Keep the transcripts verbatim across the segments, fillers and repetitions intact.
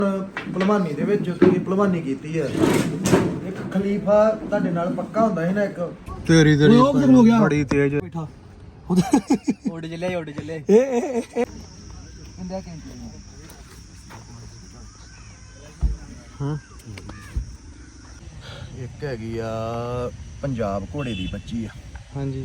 ਭਲਵਾਨੀ ਦੇ ਵਿੱਚ ਤੁਸੀਂ ਭਲਵਾਨੀ ਕੀਤੀ ਹੈ। ਇੱਕ ਖਲੀਫਾ ਤੁਹਾਡੇ ਨਾਲ ਪੱਕਾ ਹੁੰਦਾ ਸੀ ਨਾ ਇੱਕ ਤੇਰੀ ਤੇਰੀ ਉਹ ਕਿਧਰ ਹੋ ਗਿਆ ਬੜੀ ਤੇਜ਼ ਬੈਠਾ ਉੱਡ ਚੱਲੇ ਉੱਡ ਚੱਲੇ ਏ ਏ ਏ ਇੰਦਾ ਕੈਂਟੀ ਹਾਂ ਇੱਕ ਹੈਗੀ ਆ ਪੰਜਾਬ ਘੋੜੇ ਦੀ ਬੱਚੀ ਆ। ਹਾਂਜੀ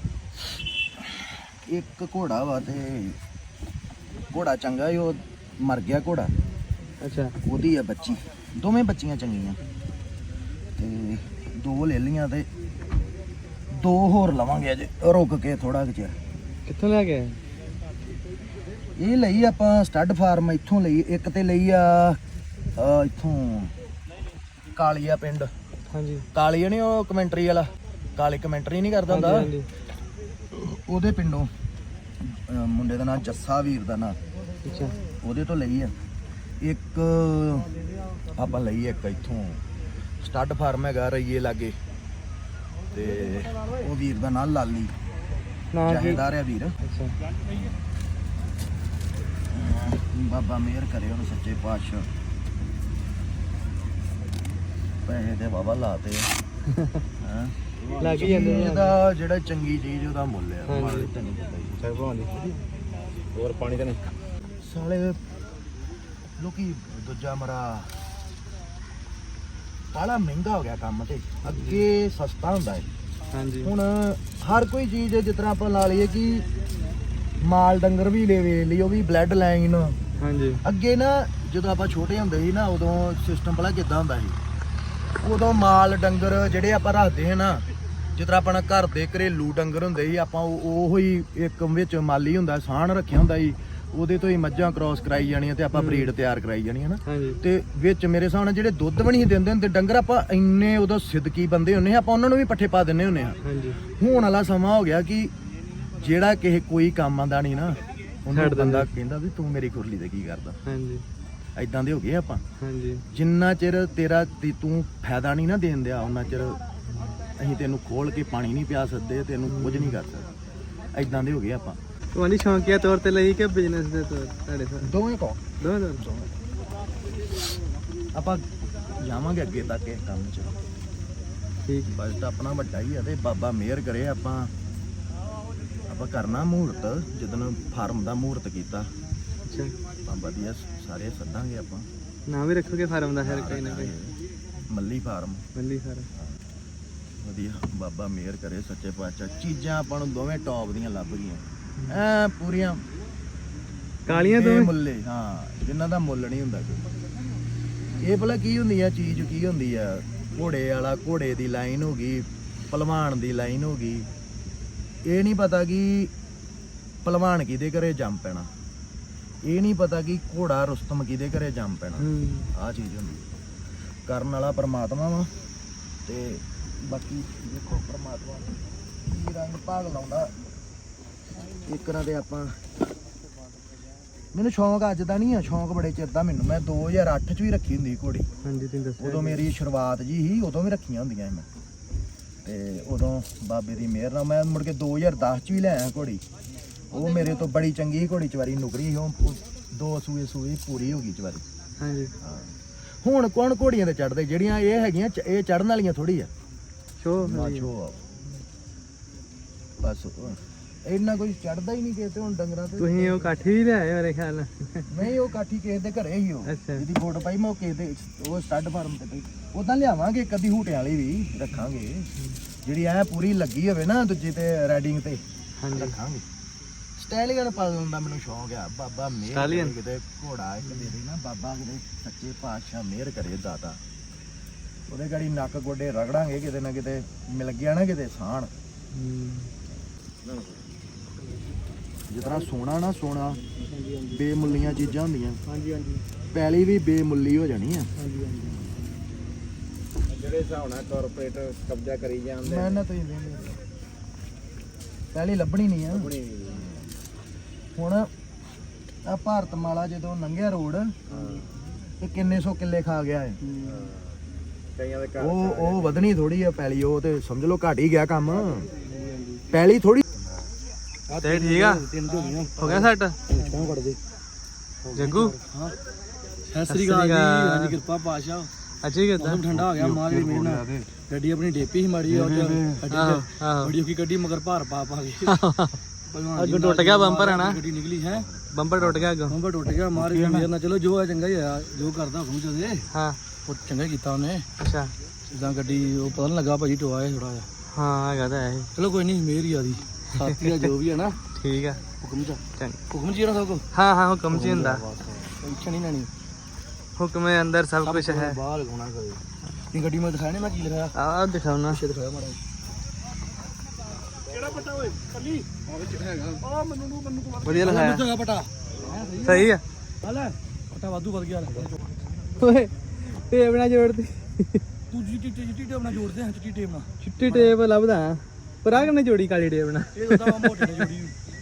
ਇੱਕ ਘੋੜਾ ਵਾ ਤੇ ਘੋੜਾ ਚੰਗਾ ਹੀ ਉਹ ਮਰ ਗਿਆ ਘੋੜਾ ਅੱਛਾ ਉਹਦੀ ਆ ਬੱਚੀ ਦੋਵੇਂ ਬੱਚੀਆਂ ਚੰਗੀਆਂ ਤੇ ਦੋ ਲੈ ਲੀਆਂ ਤੇ ਦੋ ਹੋਰ ਲਵਾਂਗੇ ਅਜੇ ਰੁਕ ਕੇ ਥੋੜਾ ਕੁ ਚਿਰ। ਕਿੱਥੋਂ ਲੈ ਕੇ ਇਹ ਲਈ ਆਪਾਂ ਸਟੱਡ ਫਾਰਮ ਇੱਥੋਂ ਲਈ ਇੱਕ ਤੇ ਲਈ ਆ ਅਹ ਇੱਥੋਂ ਕਾਲੀਆ ਪਿੰਡ ਹਾਂਜੀ ਕਾਲੀਆ ਨਹੀਂ ਉਹ ਕਮੈਂਟਰੀ ਵਾਲਾ ਕਾਲੀ ਕਮੈਂਟਰੀ ਨਹੀਂ ਕਰਦਾ ਹੁੰਦਾ ਹਾਂਜੀ ਉਹਦੇ ਪਿੰਡੋਂ ਅਹ ਮੁੰਡੇ ਦਾ ਨਾਂ ਜੱਸਾ ਵੀਰ ਦਾ ਨਾਂ ਅੱਛਾ ਉਹਦੇ ਤੋਂ ਲਈ ਆ। ਇੱਕ ਆਪਾਂ ਲਈ ਇੱਕ ਇੱਥੋਂ ਸਟੱਡ ਫਾਰਮ ਹੈਗਾ ਰਈਏ ਲਾਗੇ ਤੇ ਉਹ ਵੀਰ ਦਾ ਨਾਂ ਲਾਲੀ ਨਾ ਕੀ ਜਹੇਦਾਰ ਆ ਵੀਰ। ਅੱਛਾ ਬਾਬਾ ਮਿਹਰ ਕਰੇ ਉਹਨੂੰ ਸੱਚੇ ਪਾਤਸ਼ਾਹ ਪੈਸੇ ਤੇ ਬਾਬਾ ਲਾਤੇ ਹਾਂ ਲੱਗ ਹੀ ਜਾਂਦੇ ਆ। ਇਹਦਾ ਜਿਹੜਾ ਚੰਗੀ ਚੀਜ਼ ਉਹਦਾ ਮੁੱਲ ਆ ਹਾਂਜੀ। ਮਾੜੀ ਤਾਂ ਨਹੀਂ ਪਤਾ ਜੀ। ਚੱਲ ਭਾਉਂਦੀ ਹੋਰ ਪਾਣੀ ਤਾਂ ਨਹੀਂ ਸਾਲੇ ਲੋਕੀ ਦੂਜਾ ਮਰਾ ਬਾਲਾ ਮਹਿੰਗਾ ਹੋ ਗਿਆ ਕੰਮ ਤੇ ਅੱਗੇ ਸਸਤਾ ਹੁੰਦਾ ਹੈ। ਹਾਂਜੀ ਹੁਣ ਹਰ ਕੋਈ ਚੀਜ਼ ਜਿਸ ਤਰ੍ਹਾਂ ਆਪਾਂ ਲਾ ਲਈਏ ਕਿ ਮਾਲ ਡੰਗਰ ਵੀ ਲੈ ਵੇ ਲਈ ਉਹ ਵੀ ਬਲੱਡ ਲਾਈਨ ਹਾਂਜੀ ਅੱਗੇ ਨਾ ਜਦੋਂ ਆਪਾਂ ਛੋਟੇ ਹੁੰਦੇ ਸੀ ਨਾ ਉਦੋਂ ਸਿਸਟਮ ਪਹਿਲਾਂ ਕਿੱਦਾਂ ਹੁੰਦਾ ਸੀ ਉਦੋਂ ਮਾਲ ਡੰਗਰ ਜਿਹੜੇ ਆਪਾਂ ਰੱਖਦੇ ਹਾਂ ਨਾ ਜਿਸ ਤਰ੍ਹਾਂ ਆਪਣਾ ਘਰ ਦੇ ਘਰੇਲੂ ਡੰਗਰ ਹੁੰਦੇ ਸੀ ਆਪਾਂ ਉਹ ਹੀ ਇੱਕ ਵਿੱਚ ਮਾਲੀ ਹੁੰਦਾ ਸਾਣ ਰੱਖਿਆ ਹੁੰਦਾ ਸੀ ਉਹਦੇ ਤੋਂ ਹੀ ਮੱਝਾਂ ਕ੍ਰਾਸ ਕਰਾਈ ਜਾਣੀਆਂ ਤੇ ਆਪਾਂ ਬਰੀਡ ਤਿਆਰ ਕਰਾਈ ਜਾਣੀ ਹੈ ਨਾ ਹਾਂਜੀ ਤੇ ਵਿੱਚ ਮੇਰੇ ਹਿਸਾਬ ਨਾਲ ਜਿਹੜੇ ਦੁੱਧ ਵੀ ਨਹੀਂ ਦਿੰਦੇ ਹੁੰਦੇ ਡੰਗਰ ਆਪਾਂ ਇੰਨੇ ਉਦੋਂ ਸਿੱਧਕੀ ਬੰਦੇ ਹੁੰਨੇ ਆਪਾਂ ਉਹਨਾਂ ਨੂੰ ਵੀ ਪੱਠੇ ਪਾ ਦਿੰਨੇ ਹੁੰਨੇ ਆ। ਹਾਂਜੀ ਹੁਣ ਵਾਲਾ ਸਮਾਂ ਹੋ ਗਿਆ ਕਿ ਜਿਹੜਾ ਕਿਸੇ ਕੋਈ ਕੰਮ ਆਂਦਾ ਨਹੀਂ ਨਾ ਉਹਨੂੰ ਛੱਡ ਦਿੰਦੇ। ਬੰਦਾ ਕਹਿੰਦਾ ਵੀ ਤੂੰ ਮੇਰੀ ਖੁਰਲੀ ਤੇ ਕੀ ਕਰਦਾ ਹਾਂਜੀ ਐਦਾਂ ਦੇ ਹੋ ਗਏ ਆਪਾਂ। ਹਾਂਜੀ ਜਿੰਨਾ ਚਿਰ ਤੇਰਾ ਤੇ ਤੂੰ ਫਾਇਦਾ ਨਹੀਂ ਨਾ ਦੇਣ ਦਿਆ ਉਹਨਾਂ ਚਿਰ ਅਸੀਂ ਤੈਨੂੰ ਖੋਲ ਕੇ ਪਾਣੀ ਨਹੀਂ ਪਿਆ ਸਕਦੇ ਤੈਨੂੰ ਕੁਝ ਨਹੀਂ ਕਰ ਸਕਦੇ ਐਦਾਂ ਦੇ ਹੋ ਗਏ ਆਪਾਂ। ਤੁਹਾਡੀ ਸ਼ੌਂਕੀਆ ਤੌਰ ਤੇ ਲਈ ਕਿ ਬਿਜ਼ਨਸ ਦੇ ਤੌਰ ਤੁਹਾਡੇ ਸਾਹ ਦੋਵੇਂ ਕੋ ਦੋਵੇਂ ਤੌਰ ਆਪਾਂ ਜਾਵਾਂਗੇ ਅੱਗੇ ਤੱਕ ਇਸ ਕੰਮ 'ਚ ਠੀਕ ਬਜਟ ਆਪਣਾ ਵੱਡਾ ਹੀ ਆ ਤੇ ਬਾਬਾ ਮਿਹਰ ਕਰੇ ਆਪਾਂ ਆਪਾਂ ਕਰਨਾ ਮਹੂਰਤ ਜਦੋਂ ਫਾਰਮ ਦਾ ਮਹੂਰਤ ਕੀਤਾ ਅੱਛਾ ਆਪਾਂ ਵਧੀਆ ਸਾਰੇ ਸੱਦਾਂਗੇ ਆਪਾਂ ਨਾਮ ਵੀ ਰੱਖੋਗੇ ਫਾਰਮ ਦਾ ਫਿਰ ਕੋਈ ਨਾ ਕੋਈ ਮੱਲੀ ਫਾਰਮ ਮੱਲੀ ਫਾਰਮ ਵਧੀਆ ਬਾਬਾ ਮਿਹਰ ਕਰੇ ਸੱਚੇ ਪਾਤਸ਼ਾਹ ਚੀਜ਼ਾਂ ਆਪਾਂ ਨੂੰ ਦੋਵੇਂ ਟੌਪ ਦੀਆਂ ਲੱਭ ਗਈਆਂ ਐ ਪੂਰੀਆਂ ਕਾਲੀਆਂ ਦੋਵੇਂ ਮੁੱਲੇ ਹਾਂ ਜਿਨ੍ਹਾਂ ਦਾ ਮੁੱਲ ਨਹੀਂ ਹੁੰਦਾ ਕੋਈ। ਇਹ ਭਲਾ ਕੀ ਹੁੰਦੀ ਆ ਚੀਜ਼ ਕੀ ਹੁੰਦੀ ਆ ਘੋੜੇ ਵਾਲਾ ਘੋੜੇ ਦੀ ਲਾਈਨ ਹੋ ਗਈ ਭਲਵਾਨ ਦੀ ਲਾਈਨ ਹੋ ਗਈ ਇਹ ਨਹੀਂ ਪਤਾ ਕਿ ਭਲਵਾਨ ਕਿਹਦੇ ਘਰੇ ਜੰਮ ਪੈਣਾ ਇਹ ਨਹੀਂ ਪਤਾ ਕਿ ਘੋੜਾ ਰੁਸਤਮ ਕਿਹਦੇ ਘਰੇ ਜੰਮ ਪੈਣਾ ਹੂੰ ਆਹ ਚੀਜ਼ ਹੁੰਦੀ ਕਰਨ ਵਾਲਾ ਪਰਮਾਤਮਾ ਵਾ ਤੇ ਬਾਕੀ ਦੇਖੋ ਪਰਮਾਤਮਾ ਕੀ ਰੰਗ ਭਾਗ ਲਾਉਂਦਾ ਇੱਕ ਨਾ ਤੇ ਆਪਾਂ ਮੈਨੂੰ ਸ਼ੌਂਕ ਅੱਜ ਦਾ ਨਹੀਂ ਆ ਸ਼ੌਂਕ ਬੜੇ ਚਿਰ ਦਾ ਮੈਨੂੰ ਮੈਂ ਦੋ ਹਜ਼ਾਰ ਅੱਠ ਚ ਵੀ ਰੱਖੀ ਹੁੰਦੀ ਘੋੜੀ ਹਾਂਜੀ ਤੁਸੀਂ ਦੱਸੋ ਉਦੋਂ ਮੇਰੀ ਸ਼ੁਰੂਆਤ ਜੀ ਸੀ ਉਦੋਂ ਵੀ ਰੱਖੀਆਂ ਹੁੰਦੀਆਂ ਸੀ ਮੈਂ ਤੇ ਉਦੋਂ ਬਾਬੇ ਦੀ ਮਿਹਰ ਨਾਲ ਮੈਂ ਮੁੜ ਕੇ ਦੋ ਹਜ਼ਾਰ ਦਸ ਚ ਵੀ ਲੈ ਆਇਆ ਘੋੜੀ ਉਹ ਮੇਰੇ ਤੋਂ ਬੜੀ ਚੰਗੀ ਘੋੜੀ ਚਵਾਰੀ ਨੁਕਰੀ ਸੀ ਉਹ ਦੋ ਸੂਏ ਸੂਏ ਪੂਰੀ ਹੋ ਗਈ ਚਵਾਰੀ। ਹਾਂਜੀ ਹੁਣ ਕੌਣ ਘੋੜੀਆਂ ਤੇ ਚੜਦੇ ਜਿਹੜੀਆਂ ਇਹ ਹੈਗੀਆਂ ਚ- ਇਹ ਚੜਨ ਵਾਲੀਆਂ ਥੋੜੀ ਆ ਸ਼ੋ ਮਾਛੋ ਆ ਬਸ ਇੰਨਾ ਕੁਝ ਚੜਦਾ ਹੀ ਨਹੀਂ ਕਿਸੇ ਤੇ ਹੁਣ ਡੰਗਰਾਂ ਤੇ ਤੁਸੀਂ ਉਹ ਕਾਠੀ ਵੀ ਲਿਆਏ ਮੇਰੇ ਖਿਆਲ ਨਾਲ ਨਹੀਂ ਉਹ ਕਾਠੀ ਕਿਸੇ ਦੇ ਘਰੇ ਹੀ ਉਹ ਅੱਛਾ। ਜਿਹਦੀ ਫੋਟੋ ਪਾਈ ਮੈਂ ਉਹ ਕਿਸੇ ਦੇ ਉਹ ਸਟੱਡ ਫਾਰਮ ਤੇ ਪਈ ਉਦਾਂ ਲਿਆਵਾਂਗੇ ਕਦੀ ਹੂਟੇ ਵਾਲੀ ਵੀ ਰੱਖਾਂਗੇ ਜਿਹੜੀ ਐ ਪੂਰੀ ਲੱਗੀ ਹੋਵੇ ਨਾ ਦੂਜੀ ਤੇ ਰਾਈਡਿੰਗ ਤੇ ਹਾਂਜੀ ਰੱਖਾਂਗੇ। ਸਟਾਈਲਿੰਗ ਪਾਲਣ ਦਾ ਮੈਨੂੰ ਸ਼ੌਂਕ ਆ ਬਾਬਾ ਮਿਹਰ Stallion? ਕਰੇ ਕਿਤੇ ਘੋੜਾ ਇੱਕ ਦੇ ਦੇ ਨਾ ਬਾਬਾ ਕਿਤੇ ਸੱਚੇ ਪਾਤਸ਼ਾਹ ਮਿਹਰ ਕਰੇ ਦਾਤਾ ਉਹਦੇ ਗਾੜੀ ਨੱਕ ਗੋਡੇ ਰਗੜਾਂਗੇ ਕਿਤੇ ਨਾ ਕਿਤੇ ਮਿਲ ਗਿਆ ਨਾ ਕਿਤੇ ਸਾਣ ਹੂੰ ਜਿਸ ਤਰ੍ਹਾਂ ਸੋਨਾ ਨਾ ਸੋਨਾ ਬੇਮੁੱਲੀਆਂ ਚੀਜ਼ਾਂ ਹੁੰਦੀਆਂ ਹਾਂਜੀ ਹਾਂਜੀ ਪੈਲੀ ਵੀ ਬੇਮੁੱਲੀ ਹੋ ਜਾਣੀ ਆ। ਹਾਂਜੀ ਹਾਂਜੀ ਜਿਹੜੇ ਹਿਸਾਬ ਨਾਲ ਕਾਰਪੋਰੇਟ ਕਬਜ਼ਾ ਕਰੀ ਜਾਂਦੇ ਮੈਂ ਨਾ ਤੁਸੀਂ ਵੇਖ ਪਹਿਲੀ ਲੱਭਣੀ ਨਹੀਂ ਆ ਹੁਣ ਆ ਭਾਰਤ ਮਾਲਾ ਜਦੋਂ ਲੰਘਿਆ ਰੋਡ ਤੇ ਕਿੰਨੇ ਸੌ ਕਿੱਲੇ ਖਾ ਗਿਆ ਹੈ ਕਈਆਂ ਦੇ ਘਰ ਉਹ ਉਹ ਵਧਣੀ ਥੋੜੀ ਆ ਪੈਲੀ ਉਹ ਤੇ ਸਮਝ ਲਓ ਘਟ ਹੀ ਗਿਆ ਕੰਮ ਪੈਲੀ ਥੋੜੀ ਤੇ ਠੀਕ ਆ ਤਿੰਨ ਹੋ ਗਈਆਂ ਹੋ ਗਿਆ ਸੈੱਟ ਕਿਉਂ ਕੱਢ ਦੇ ਜੱਗੂ ਸਤਿ ਸ੍ਰੀ ਅਕਾਲ ਜੀ। ਹਾਂਜੀ ਕਿਰਪਾ ਪਾਸ਼ਾ। ਅੱਛਾ ਹੀ ਕਰਦਾ ਮੌਸਮ ਠੰਡਾ ਹੋ ਗਿਆ ਮਾਂ ਦੀ ਮਿਹਰ ਨਾਲ। ਗੱਡੀ ਆਪਣੀ ਡੇਪੀ ਸੀ ਮਾੜੀ ਉਹ ਚ ਬੜੀ ਔਖੀ ਗੱਡੀ ਮਗਰ ਭਾਰ ਪਾ ਪਾ ਕੇ ਅੱਗੋਂ ਟੁੱਟ ਗਿਆ ਬੰਪਰ ਹੈ ਨਾ, ਗੱਡੀ ਨਿਕਲੀ ਹੈ ਬੰਪਰ ਟੁੱਟ ਗਿਆ ਅੱਗੋਂ। ਬੰਪਰ ਟੁੱਟ ਗਿਆ ਮਾਰ ਦੀ ਮਿਹਰ ਨਾਲ। ਚਲੋ ਜੋ ਆ ਚੰਗਾ ਹੀ ਆ, ਜੋ ਕਰਦਾ ਹੁਕਮ ਚਦੇ ਹਾਂ ਉਹ ਚੰਗਾ ਹੀ ਕੀਤਾ ਉਹਨੇ। ਅੱਛਾ ਜਿੱਦਾਂ ਗੱਡੀ ਉਹ ਪਤਾ ਨਹੀਂ ਲੱਗਾ ਭਾਜੀ ਟੋਆ ਹੈ ਥੋੜਾ ਜਿਹਾ। ਹਾਂ ਹੈਗਾ ਤਾਂ ਹੈ। ਚਲੋ ਕੋਈ ਨਹੀਂ ਮਿਹਰ ਹੀ ਆ ਦੀ ਸਾਥੀ ਆ ਜੋ ਵੀ ਹੈ ਨਾ। ਠੀਕ ਆ ਹੁਕਮ ਚ ਚੰਗਾ। ਹੁਕਮ ਚ ਹੀ ਨਾ ਸਭ ਕੁਝ ਹਾਂ ਹਾਂ ਹੁਕਮ ਜੀ ਹੁੰਦਾ, ਟੈਨਸ਼ਨ ਨਹੀਂ ਲੈਣੀ। ਹੁਕਮ ਦੇ ਅੰਦਰ ਸਭ ਕੁਝ ਹੈ। ਬਾਹਰ ਲਗਾਉਣਾ ਕਦੇ ਇਹ ਗੱਡੀ ਮੈਂ ਦਿਖਾਣੇ ਮੈਂ ਕੀ ਲਿਖਿਆ ਆਹ ਦਿਖਾਉਣਾ। ਪਿੱਛੇ ਦਿਖਾਇਆ ਮਾੜਾ ਕਿਹੜਾ ਪਟਾ ਓਏ ਕੱਲੀ ਆ ਵਿੱਚ ਹੈਗਾ ਆ ਮੈਨੂੰ ਨੂੰ ਮੈਨੂੰ ਤੋਂ ਵਧੀਆ ਲਿਖਾਇਆ। ਹੈਗਾ ਪਟਾ ਸਹੀ ਆ। ਆ ਲੈ ਪਟਾ ਵਾਧੂ ਵਧ ਗਿਆ ਓਏ ਟੇਪ ਨਾਲ ਜੋੜਦੀ। ਤੂੰ ਚਿੱਟੀ ਚਿੱਟੀ ਟੇਪ ਨਾਲ ਜੋੜਦੇ ਆ ਚਿੱਟੀ ਟੇਪ ਨਾਲ। ਚਿੱਟੀ ਟੇਪ ਲੱਭਦਾ ਪਰ ਆ ਕਿੰਨੇ ਜੋੜੀ ਕਾਲੀ ਟੇਪ ਨਾਲ। ਇਹ ਤਾਂ ਮੋਟੇ ਨੇ ਜੋੜੀ।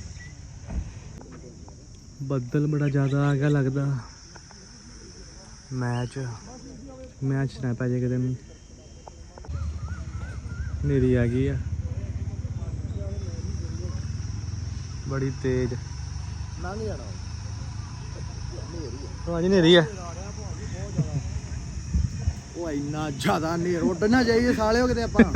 ਬੱਦਲ ਬੜਾ ਜ਼ਿਆਦਾ ਆ ਗਿਆ ਲੱਗਦਾ। ਮੈਚ ਮੈਚ ਨਾ ਪੈ ਜੇ ਕਿਤੇ ਨੂੰ। ਹਨੇਰੀ ਆ ਗਈ ਆ ਬੜੀ ਤੇਜ਼। ਲੰਘ ਜਾਣਾ ਉਹ ਅੱਜ ਹਨੇਰੀ ਆ। ਉਹ ਇੰਨਾ ਜ਼ਿਆਦਾ ਨੇਰ ਉੱਡਣਾ ਚਾਹੀਏ ਸਾਲਿਓ ਕਿਤੇ ਆਪਾਂ।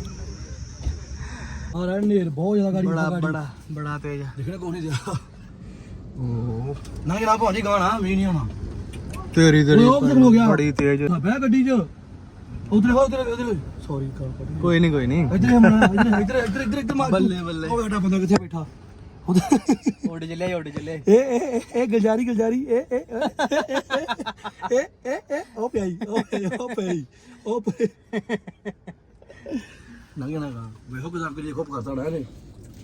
ਆ ਰਾ ਨੇਰ ਬਹੁਤ ਜ਼ਿਆਦਾ ਗਾੜੀ ਬੜਾ ਬੜਾ ਬੜਾ ਤੇਜ਼। ਦੇਖਣਾ ਕੋਈ ਨਹੀਂ ਦਿਆ ਓ ਨਾ ਜਨਾਬ ਭਾਜੀ ਗਾਣਾ ਵੀ ਨਹੀਂ ਆਉਣਾ। ਤੇਰੀ ਤੇਰੀ ਉਹ ਕਿੱਧਰ ਹੋ ਗਿਆ? ਬੜੀ ਤੇਜ਼। ਬਹਿ ਗੱਡੀ 'ਚ ਉਧਰ ਹੋ ਉਧਰ ਉਧਰ ਸੌਰੀ ਕਾਲ ਕੱਟ ਕੋਈ ਨਹੀਂ ਕੋਈ ਨਹੀਂ। ਇੱਧਰ ਹਮਣਾ ਇੱਧਰ ਇੱਧਰ ਇੱਧਰ ਇੱਧਰ ਇੱਧਰ ਮਾਰ ਬੱਲੇ ਬੱਲੇ। ਉਹ ਬੈਠਾ ਬੰਦਾ ਕਿੱਥੇ ਬੈਠਾ ਉੱਡ ਚੱਲੇ ਉੱਡ ਚੱਲੇ। ਏ ਏ ਏ ਗਲਜਾਰੀ ਗਲਜਾਰੀ ਏ ਏ ਏ ਏ ਏ ਉਹ ਪਿਆਈ ਉਹ ਪਿਆਈ ਉਹ ਪਿਆਈ ਉਹ ਪਿਆਈ ਨਾ ਨਾ ਨਾ ਵੇਖੋ ਕਿਦਾਂ ਕਰੀ ਖੋਪ ਕਰਦਾ ਨਾ ਇਹਨੇ।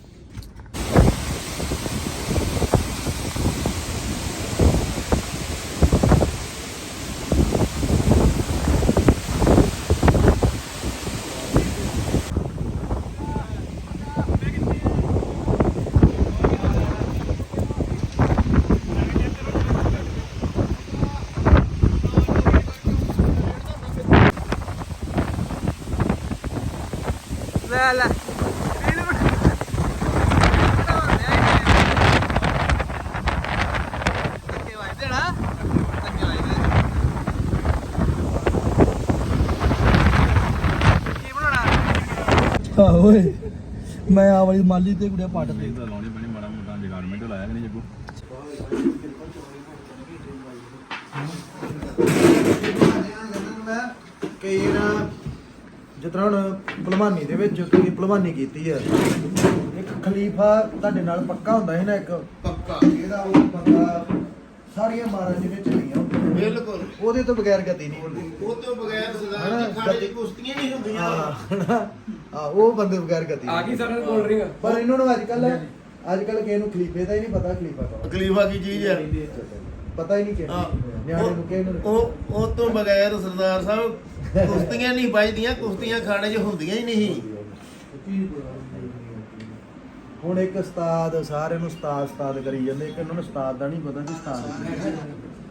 ਲੈ ਲੈ ਹਾਂ ਓਏ ਮੈਂ ਆ ਵਾਲੀ ਮਾਲੀ ਤੇ ਕੁੜਿਆ ਪੱਟ ਦੇ ਲਾਉਣੀ ਪੈਣੀ ਮਾੜਾ ਮੋਟਾ ਜਗਾਰਮੈਂਟ ਲਾਇਆ ਕਿ ਨਹੀਂ ਜੱਗੂ। ਕਈ ਨਾ ਜਿਸ ਤਰ੍ਹਾਂ ਹੁਣ ਭਲਵਾਨੀ ਦੇ ਵਿੱਚ ਤੁਸੀਂ ਭਲਵਾਨੀ ਕੀਤੀ ਹੈ, ਇੱਕ ਖਲੀਫਾ ਤੁਹਾਡੇ ਨਾਲ ਪੱਕਾ ਹੁੰਦਾ ਸੀ ਨਾ, ਇੱਕ ਪੱਕਾ ਇਹਦਾ ਉਹ ਬੰਦਾ ਸਾਰੀਆਂ ਮਾਰਾਂ ਦੇ ਵਿੱਚ ਨਹੀਂ ਆਉਂਦਾ ਬਿਲਕੁਲ ਉਹਦੇ ਤੋਂ ਬਗੈਰ ਗਤੀ ਨਹੀਂ ਹੁੰਦੀ। ਉਹ ਤੋਂ ਬਗੈਰ ਸਰਦਾਰ ਜੀ ਖਾਣੇ ਦੀ ਕੁਸ਼ਤੀਆਂ ਨਹੀਂ ਹੁੰਦੀਆਂ। ਹਾਂ ਹਾਂ ਉਹ ਬੰਦੇ ਬਗੈਰ ਗਤੀ ਆ ਗਈ ਸਾਡੇ ਕੋਲ ਰਿੰਗ। ਪਰ ਇਹਨਾਂ ਨੂੰ ਅੱਜ ਕੱਲ ਅੱਜ ਕੱਲ ਕਿਸੇ ਨੂੰ ਖਲੀਫੇ ਦਾ ਹੀ ਨਹੀਂ ਪਤਾ ਖਲੀਫਾ ਕੌਣ। ਖਲੀਫਾ ਕੀ ਚੀਜ਼ ਹੈ ਪਤਾ ਹੀ ਨਹੀਂ ਕਿ ਨਿਆਣੇ ਨੂੰ ਕਿਸੇ ਨੂੰ। ਉਹ ਉਹ ਤੋਂ ਬਗੈਰ ਸਰਦਾਰ ਸਾਹਿਬ ਕੁਸ਼ਤੀਆਂ ਨਹੀਂ ਵੱਜਦੀਆਂ, ਕੁਸ਼ਤੀਆਂ ਖਾਣੇ 'ਚ ਹੁੰਦੀਆਂ ਹੀ ਨਹੀਂ। ਹੁਣ ਇੱਕ ਉਸਤਾਦ ਸਾਰਿਆਂ ਨੂੰ ਉਸਤਾਦ ਉਸਤਾਦ ਕਰੀ ਜਾਂਦੇ, ਇੱਕ ਇਹਨਾਂ ਨੂੰ ਉਸਤਾਦ ਦਾ ਨਹੀਂ ਪਤਾ ਕਿ ਉਸਤਾਦ ਕੀ ਹੈ।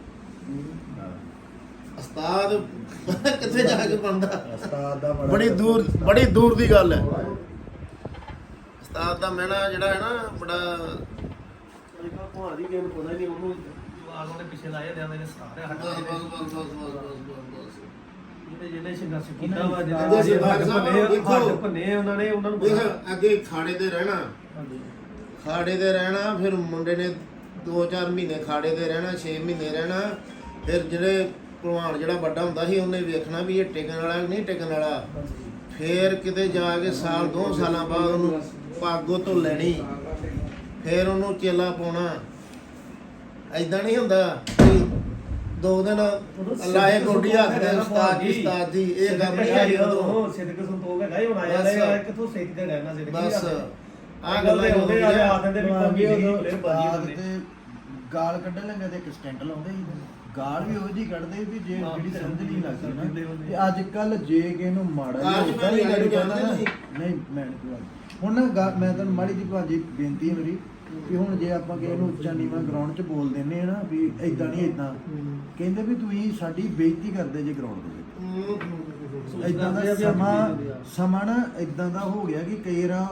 ਉਸਤਾਦ ਕਿੱਥੇ ਜਾ ਕੇ ਬਣਦਾ? ਉਸਤਾਦ ਦਾ ਬੜਾ ਬੜੀ ਦੂਰ ਬੜੀ ਦੂਰ ਦੀ ਗੱਲ ਹੈ। ਉਸਤਾਦ ਦਾ ਮਹਿਣਾ ਜਿਹੜਾ ਹੈ ਨਾ ਬੜਾ ਭਾਂ ਦੀ ਗੇਮ ਪਤਾ ਨਹੀਂ ਉਹਨੂੰ ਆਗੋਂ ਦੇ ਪਿੱਛੇ ਲਾਏ ਜਾਂਦੇ ਨੇ ਸਾਰੇ ਬਸ ਬਸ ਬਸ ਬਸ ਬਸ ਜਿਹੜੇ ਜਿਹੜੇ ਸੰਘਰਸ਼ ਕੀਤਾ ਵਾ ਜਿਹੜੇ ਜਿਹੜੇ ਹੱਡ ਭੰਨੇ- ਹੱਡ ਭੰਨੇ ਉਹਨਾਂ ਨੇ ਉਹਨਾਂ ਨੂੰ ਦੇਖ ਅੱਗੇ ਖਾੜੇ ਤੇ ਰਹਿਣਾ, ਖਾੜੇ ਤੇ ਰਹਿਣਾ, ਫਿਰ ਮੁੰਡੇ ਨੇ ਦੋ ਚਾਰ ਮਹੀਨੇ ਖਾੜੇ ਤੇ ਰਹਿਣਾ, ਛੇ ਮਹੀਨੇ ਰਹਿਣਾ। ਫਿਰ ਜਿਹੜੇ ਭਲਵਾਨ ਜਿਹੜਾ ਵੱਡਾ ਹੁੰਦਾ ਸੀ ਉਹਨੇ ਵੇਖਣਾ ਵੀ ਇਹ ਟਿਕਣ ਵਾਲਾ ਨਹੀਂ ਟਿਕਣ ਵਾਲਾ। ਫਿਰ ਕਿਤੇ ਜਾ ਕੇ ਸਾਲ ਦੋ ਸਾਲਾਂ ਬਾਅਦ ਉਹਨੂੰ ਪਾਗੋ ਤੋਂ ਲੈਣੀ, ਫਿਰ ਉਹਨੂੰ ਚੇਲਾ ਪਾਉਣਾ। ਐਦਾਂ ਨਹੀਂ ਹੁੰਦਾ ਕਿ ਦੋ ਦਿਨ ਲਾਏ ਗੋਡੀ ਹੱਥ ਉਸਤਾਦ ਜੀ ਉਸਤਾਦ ਜੀ ਇਹ ਗੱਲ ਨਹੀਂ ਆਈ ਉਦੋਂ। ਸਿੱਧਕ ਸੰਤੋਖ ਹੈਗਾ ਹੀ ਹੁਣ ਆਇਆ ਲੈ ਕਿੱਥੋਂ ਸਿੱਖ ਕੇ ਰਹਿਣਾ ਸਿੱਧਕ ਬਸ ਆ ਗੱਲ ਦੇ ਉਹਦੇ ਆ ਆ ਦਿੰਦੇ ਵੀ ਅੱਗੇ ਕੋਈ ਉਦੋਂ ਪਲੇਅਰ ਉਸਤਾਦ ਬਾਜੀ ਤੇ ਗਾਲ ਕੱਢਣ ਲੱਗੇ ਤੇ ਇੱਕ ਸਟੈਂਟ ਲਾਉਂਦੇ ਸੀ। ਗਾਲ ਵੀ ਉਹੋ ਜਿਹੀ ਕੱਢਦੇ ਵੀ ਜੇ ਜਿਹੜੀ ਸਮਝ ਨਹੀਂ ਲੱਗਦੀ ਨਾ। ਤੇ ਅੱਜ ਕੱਲ ਜੇ ਕਿਸੇ ਨੂੰ ਮਾੜਾ ਜਿਹਾ ਅੱਜ ਏਦਾਂ ਮੈਂ ਦੀ ਗੱਲ ਨਹੀਂ ਕਹਿੰਦਾ ਨਾ, ਜਾਣਦਾ ਨਹੀਂ ਮੈਂ ਨਹੀਂ ਕਹਿੰਦਾ। ਹੁਣ ਨਾ ਗਾ- ਮੈਂ ਤੁਹਾਨੂੰ ਮਾੜੀ ਜਿਹੀ ਭਾਜੀ ਬੇਨਤੀ ਹੈ ਮੇਰੀ ਵੀ ਹੁਣ ਜੇ ਆਪਾਂ ਕਿਸੇ ਨੂੰ ਉੱਚਾ ਨੀਵਾਂ ਗਰਾਊਂਡ 'ਚ ਬੋਲ ਦਿੰਨੇ ਆ ਨਾ ਵੀ ਇਦਾਂ ਨਹੀਂ ਇਦਾਂ, ਕਹਿੰਦੇ ਵੀ ਤੁਸੀਂ ਸਾਡੀ ਬੇਇੱਜ਼ਤੀ ਕਰਦੇ ਜੇ ਗਰਾਊਂਡ ਦੇ ਵਿੱਚ। ਇਦਾਂ ਦਾ ਸਮਾਂ ਸਮਾਂ ਨਾ ਇਦਾਂ ਦਾ ਹੋ ਗਿਆ ਕਿ ਕਈ ਵਾਰ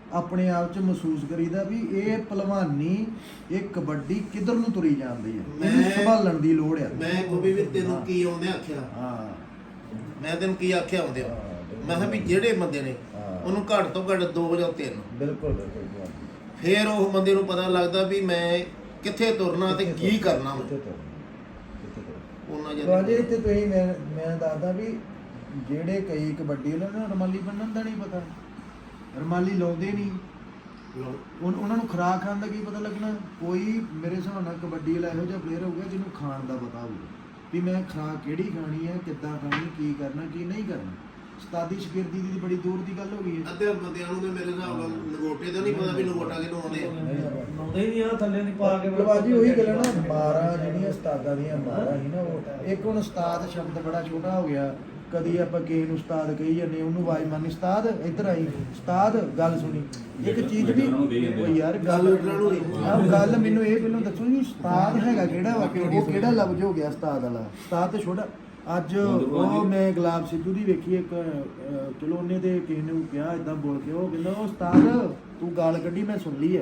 ਆਪਣੇ ਆਪ 'ਚ ਮਹਿਸੂਸ ਕਰੀਦਾ ਵੀ ਇਹ ਪਹਿਲਵਾਨੀ, ਇਹ ਕਬੱਡੀ ਕਿੱਧਰ ਨੂੰ ਤੁਰੀ ਜਾਂਦੀ ਹੈ, ਇਹਨੂੰ ਮੈਂ- ਸੰਭਾਲਣ ਦੀ ਲੋੜ ਆ। ਮੈਂ ਕੋਈ ਵੀ ਤੈਨੂੰ ਕੀ ਆਉਂਦੇ ਆਖਿਆ, ਹਾਂ ਮੈਂ ਤੈਨੂੰ ਕੀ ਆਖਿਆ ਆਉਂਦੇ ਮੈਂ ਕਿਹਾ ਵੀ ਜਿਹੜੇ ਬੰਦੇ ਨੇ ਉਹਨੂੰ ਘੱਟ ਤੋਂ ਘੱਟ ਦੋ ਜਾਂ ਤਿੰਨ, ਬਿਲਕੁਲ ਬਿਲਕੁਲ ਫਿਰ ਉਹ ਬੰਦੇ ਨੂੰ ਪਤਾ ਲੱਗਦਾ ਵੀ ਮੈਂ ਕਿੱਥੇ ਤੁਰਨਾ ਤੇ ਕੀ ਕਰਨਾ ਵਾ। ਉਹਨਾਂ ਵਾਜੇ ਜਿਹੜੇ ਇੱਥੇ ਤੁਸੀਂ ਮੈਂ ਮੈਂ ਦੱਸਦਾ ਵੀ ਜਿਹੜੇ ਕਈ ਕਬੱਡੀ ਉਹਨਾਂ ਨੂੰ ਰਮਾਲੀ ਬੰਨਣ ਦਾ ਨਹੀਂ ਪਤਾ, ਰਮਾਲੀ ਲਾਉਂਦੇ ਨਹੀਂ, ਉਨ- ਉਹਨਾਂ ਨੂੰ ਖੁਰਾਕ ਖਾਣ ਦਾ ਕੀ ਪਤਾ ਲੱਗਣਾ। ਕੋਈ ਮੇਰੇ ਹਿਸਾਬ ਨਾਲ ਕਬੱਡੀ ਵਾਲਾ ਇਹੋ ਜਿਹਾ ਪਲੇਅਰ ਹੋਊਗਾ ਜਿਹਨੂੰ ਖਾਣ ਦਾ ਪਤਾ ਹੋਊਗਾ ਵੀ ਮੈਂ ਖੁਰਾਕ ਕਿਹੜੀ ਖਾਣੀ ਹੈ, ਕਿੱਦਾਂ ਖਾਣੀ, ਕੀ ਕਰਨਾ ਕੀ ਨਹੀਂ ਕਰਨਾ। ਉਸਤਾਦੀ ਸ਼ਾਗਿਰਦੀ ਦੀ ਬੜੀ ਦੂਰ ਦੀ ਗੱਲ ਹੋ ਗਈ ਹੈ। ਅੱਧੇ ਬੰਦਿਆਂ ਨੂੰ ਤੇ ਮੇਰੇ ਹਿਸਾਬ ਨਾਲ ਨਗੋਟੇ ਦਾ ਨਹੀਂ ਪਤਾ ਵੀ ਨਗੋਟਾ ਕਿਹਨੂੰ ਆਉਂਦੇ ਆ। ਲਾਉਂਦੇ ਹੀ ਨਹੀਂ ਆ ਥੱਲੇ ਦੀ ਪਾ ਕੇ ਬਾਜੀ ਉਹੀ ਗੱਲ ਹੈ ਨਾ, ਮਾਰਾਂ ਜਿਹੜੀਆਂ ਉਸਤਾਦਾਂ ਦੀਆਂ ਮਾਰਾਂ ਸੀ ਨਾ, ਉਹ ਇੱਕ ਹੁਣ ਉਸਤਾਦ ਸ਼ਬਦ ਬੜਾ ਛੋਟਾ ਹੋ ਗਿਆ। ਕਦੀ ਆਪਾਂ ਕਿਸੇ ਨੂੰ ਉਸਤਾਦ ਕਹੀ ਜਾਂਦੇ, ਉਹਨੂੰ ਆਵਾਜ਼ ਮਾਰਨੀ, ਉਸਤਾਦ ਇੱਧਰ ਆਈ, ਉਸਤਾਦ ਗੱਲ ਸੁਣੀ। ਇੱਕ ਚੀਜ਼ ਵੀ ਉਹ ਯਾਰ ਗੱਲ ਆਹ ਗੱਲ ਮੈਨੂੰ ਇਹ ਪਹਿਲਾਂ ਦੱਸੋ ਜੀ, ਉਸਤਾਦ ਹੈਗਾ ਕਿਹੜਾ ਵਾ, ਉਹ ਕਿਹੜਾ ਲਫ਼ਜ਼ ਹੋ ਗਿਆ ਉਸਤਾਦ ਵਾਲਾ। ਉਸਤਾਦ ਤੇ ਛੋਟਾ ਅੱਜ ਉਹ ਮੈਂ ਗੁਲਾਬ ਸਿੱਧੂ ਦੀ ਵੇਖੀ ਇੱਕ, ਅਹ, ਚਲੋ ਉਹਨੇ ਤੇ ਕਿਸੇ ਨੂੰ ਕਿਹਾ ਇਦਾਂ ਬੋਲ ਕੇ, ਉਹ ਕਹਿੰਦਾ ਉਹ ਉਸਤਾਦ ਤੂੰ ਗਾਲ ਕੱਢੀ ਮੈਂ ਸੁਣ ਲਈ ਹੈ।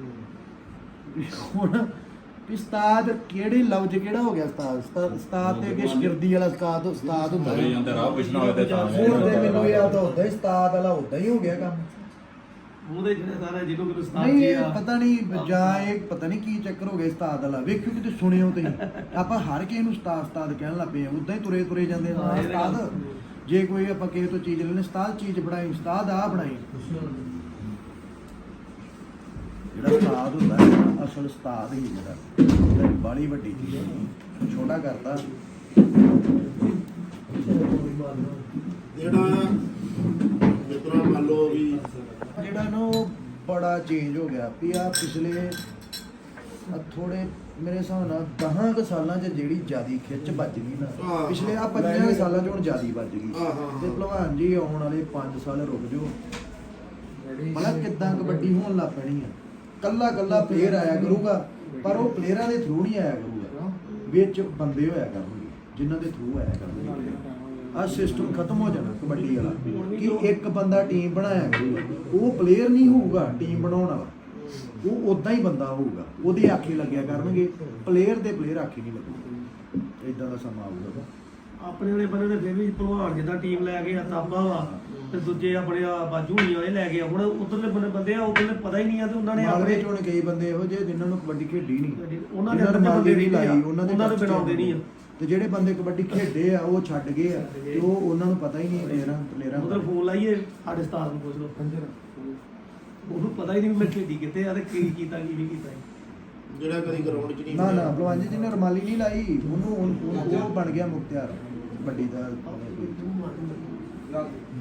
ਹੁਣ ਵੀ ਉਸਤਾਦ ਕਿਹੜੇ ਲਫ਼ਜ਼ ਕਿਹੜਾ ਹੋ ਗਿਆ ਉਸਤਾਦ, ਉਸਤਾਦ ਉਸਤਾਦ ਤੇ ਅੱਗੇ ਸ਼ਾਗਿਰਦੀ ਵਾਲਾ ਉਸਤਾਦ ਉਸਤਾਦ ਹੁੰਦਾ ਹੋਈ ਜਾਂਦਾ ਰਾਹ ਪੁੱਛਣਾ ਹੋਵੇ ਤੇ ਤਾਂ ਹੁਣ ਤੇ ਮੈਨੂੰ ਯਾਦ ਆਉਂਦਾ ਉਸਤਾਦ ਵਾਲਾ ਉਦਾਂ ਹੀ ਹੋ ਗਿਆ ਕੰਮ। ਉਹਦੇ ਜਿਹੜੇ ਸਾਰੇ ਜਿਹਨੂੰ ਕਿ ਉਸਤਾਦ ਨਹੀਂ ਜੀ ਇਹ ਆ ਪਤਾ ਨਹੀਂ ਜਾਂ ਇਹ ਪਤਾ ਨਹੀਂ ਕੀ ਚੱਕਰ ਹੋ ਗਿਆ ਉਸਤਾਦ ਵਾਲਾ। ਵੇਖਿਓ ਕਿਤੇ ਸੁਣਿਓ ਤੁਸੀਂ, ਆਪਾਂ ਹਰ ਕਿਸੇ ਨੂੰ ਉਸਤਾਦ ਉਸਤਾਦ ਕਹਿਣ ਲੱਗ ਪਏ ਆ, ਉਦਾਂ ਹੀ ਤੁਰੇ ਤੁਰੇ ਜਾਂਦੇ ਆ ਹਾਂ, ਇਹ ਤਾਂ ਉਸਤਾਦ। ਜੇ ਕੋਈ ਆਪਾਂ ਕਿਸੇ ਤੋਂ ਚੀਜ਼ ਲੈਣੇ, ਉਸਤਾਦ ਚੀਜ਼ ਬਣਾਈ, ਉਸਤਾਦ ਆ ਬਣਾਈ। ਜਿਹੜਾ ਉਸਤਾਦ ਹੁੰਦਾ ਹੈ ਨਾ, ਅਸਲ ਉਸਤਾਦ ਹੀ ਜਿਹੜਾ ਬਾਲੀ ਵੱਡੀ ਚੀਜ਼ ਹੈ, ਛੋਟਾ ਕਰਤਾ। ਜਿਹੜਾ ਮਿੱਤਰਾਂ ਮੰਨ ਲਓ ਵੀ ਜਿਹੜਾ ਨਾ ਉਹ ਬੜਾ ਚੇਂਜ ਹੋ ਗਿਆ ਵੀ ਆ ਪਿਛਲੇ ਥੋੜੇ ਮੇਰੇ ਹਿਸਾਬ ਨਾਲ ਦਸਾਂ ਕੁ ਸਾਲਾਂ 'ਚ ਜਿਹੜੀ ਜਿਆਦੀ ਖਿੱਚ ਵੱਜ ਗਈ ਨਾ, ਹਾਂ। ਪਿਛਲੇ ਆ ਪੰਜਾਂ ਕੁ ਸਾਲਾਂ 'ਚ ਹੁਣ ਜਿਆਦੀ ਵੱਜ ਗਈ। ਹਾਂ, ਹਾਂ, ਹਾਂ। ਤੇ ਭਲਵਾਨ ਜੀ ਆਉਣ ਵਾਲੇ ਪੰਜ ਸਾਲ ਰੁਕ ਜਾਓ, ਮਤਲਬ ਕਿੱਦਾਂ ਕਬੱਡੀ ਹੋਣ ਲੱਗ ਪੈਣੀ ਆ। ਕੱਲਾ ਕੱਲਾ ਪਲੇਅਰ ਆਇਆ ਕਰੂਗਾ, ਪਰ ਉਹ ਪਲੇਅਰਾਂ ਦੇ ਥਰੂ ਨਹੀਂ ਆਇਆ ਕਰੂਗਾ, ਵਿੱਚ ਬੰਦੇ ਹੋਇਆ ਕਰਨਗੇ ਜਿਨ੍ਹਾਂ ਦੇ ਥਰੂ ਆਇਆ ਕਰਨਗੇ। ਆ ਸਿਸਟਮ ਖਤਮ ਹੋ ਜਾਣਾ ਕਬੱਡੀ ਵਾਲਾ ਕਿ ਇੱਕ ਬੰਦਾ ਟੀਮ ਬਣਾਇਆ ਕਰੂਗਾ, ਉਹ ਪਲੇਅਰ ਨਹੀਂ ਹੋਊਗਾ ਟੀਮ ਬਣਾਉਣ ਵਾਲਾ, ਉਹ ਉਦਾਂ ਹੀ ਬੰਦਾ ਹੋਊਗਾ, ਉਹਦੇ ਆਖੇ ਲੱਗਿਆ ਕਰਨਗੇ, ਪਲੇਅਰ ਦੇ ਪਲੇਅਰ ਆਖੇ ਨਹੀਂ ਲੱਗੂਗਾ। ਇਦਾਂ ਦਾ ਸਮਾਂ ਆਊਗਾ। ਆਪਣੇ ਵਾਲੇ ਬੰਦੇ ਨੇ ਫਿਰ ਵੀ ਭਲਵਾਨ ਜਿੱਦਾਂ ਟੀਮ ਲੈ ਕੇ ਆ ਤਾਬਾ ਵਾ ਤੇ ਦੂਜੇ ਆਪਣੇ ਆ ਬਾਜੂ ਨਹੀਂ ਇਹ ਲੈ ਕੇ ਆ। ਹੁਣ ਉਧਰਲੇ ਬੰਦੇ ਬੰਦੇ ਆ, ਉਧਰਲੇ ਪਤਾ ਹੀ ਨਹੀਂ ਆ ਤੇ ਉਹਨਾਂ ਨੇ ਮਾਲਵੇ ਆਪਣੇ ਚ ਹੁਣ ਕਈ ਬੰਦੇ ਇਹੋ ਜਿਹੇ ਜਿਨ੍ਹਾਂ ਨੂੰ ਕਬੱਡੀ ਖੇਡੀ ਨਹੀਂ, ਉਹਨਾਂ ਦੇ ਜਿਨ੍ਹਾਂ ਅੰਦਰ ਨੇ ਬੰਦੇ ਨਹੀਂ ਲਾਈ, ਲਾਈ ਉਹਨਾਂ ਦੇ ਉਹਨਾਂ ਦੇ ਟੱਚ ਬਣਾਉਂਦੇ ਨਹੀਂ ਆ। ਤੇ ਜਿਹੜੇ ਬੰਦੇ ਕਬੱਡੀ ਖੇਡੇ ਆ ਉਹ ਛੱਡ ਗਏ ਆ, ਤੇ ਉਹ ਉਹਨਾਂ ਨੂੰ ਪਤਾ ਹੀ ਨਹੀਂ ਪਲੇਅਰਾਂ ਪਲੇਅਰਾਂ ਉਧਰ ਫੋਨ ਲਾਈਏ ਸਾਡੇ ਉਸਤਾਦ ਨੂੰ ਪੁੱਛ ਲਓ, ਉਹਨੂੰ ਪਤਾ ਹੀ ਨਹੀਂ ਵੀ ਮੈਂ ਖੇਡੀ ਕਿੱਥੇ ਆ ਤੇ ਕੀ ਕੀਤਾ ਕੀ ਨਹੀਂ ਕੀਤਾ। ਜਿਹੜਾ ਕਦੀ ਗਰਾਊਂਡ 'ਚ ਨਹੀਂ ਨਾ ਨਾ ਭਲਵਾਨ ਜੀ ਜਿਹਨੇ ਰਮਾਲੀ ਨਹੀਂ ਲਾਈ, ਉਹਨੂੰ ਉਹ- ਉਹ ਬਣ ਗਿਆ ਮੁਖਤਿਆਰ ਕਬੱਡੀ ਦਾ।